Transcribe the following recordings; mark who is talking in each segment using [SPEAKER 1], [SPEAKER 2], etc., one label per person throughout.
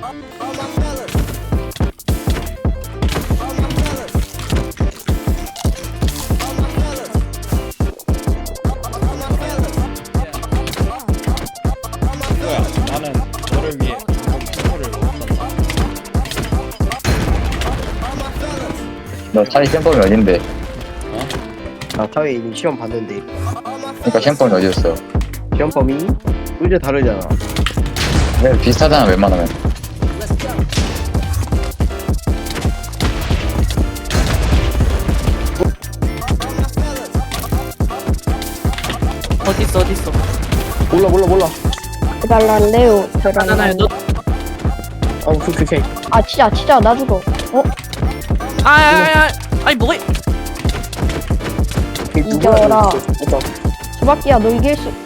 [SPEAKER 1] 뭐야? 나는 너를 위해 이번 선물을 못 샀다.
[SPEAKER 2] 너 차이 샘범이 어딘데?
[SPEAKER 1] 어?
[SPEAKER 3] 나 사회인 시험 봤는데
[SPEAKER 2] 그러니까 샘범이 어디였어?
[SPEAKER 3] 시험 범위 의제 다르잖아.
[SPEAKER 2] 왜 비슷하잖아 웬만하면.
[SPEAKER 4] 어딨어 어딨어.
[SPEAKER 3] 몰라.
[SPEAKER 5] 해달란데요.
[SPEAKER 4] 하나나요 너.
[SPEAKER 3] 오케이.
[SPEAKER 5] 아 진짜 나 죽어.
[SPEAKER 4] 아야야야. 아니 뭐해?
[SPEAKER 5] 이겨라. 수박기야 너 이길 수.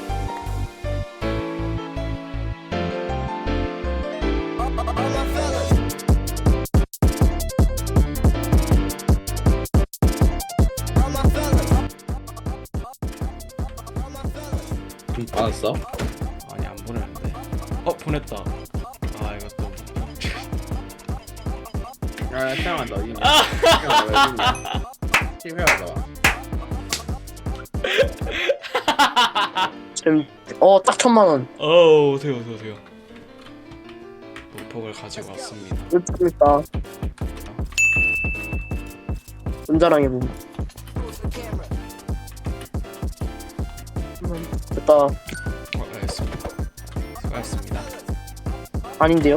[SPEAKER 1] 받았어? 아니 안 보내는데. 보냈다. 아 이것도. 야 태양아 너 이미. TV하다.
[SPEAKER 3] 지금 딱 1,000만원.
[SPEAKER 1] 오세요. 물폭을 가지고 왔습니다.
[SPEAKER 3] 좋습니다. 혼자랑 해보. 됐다.
[SPEAKER 1] 알겠습니다. 수고하셨습니다.
[SPEAKER 3] 아닌데요?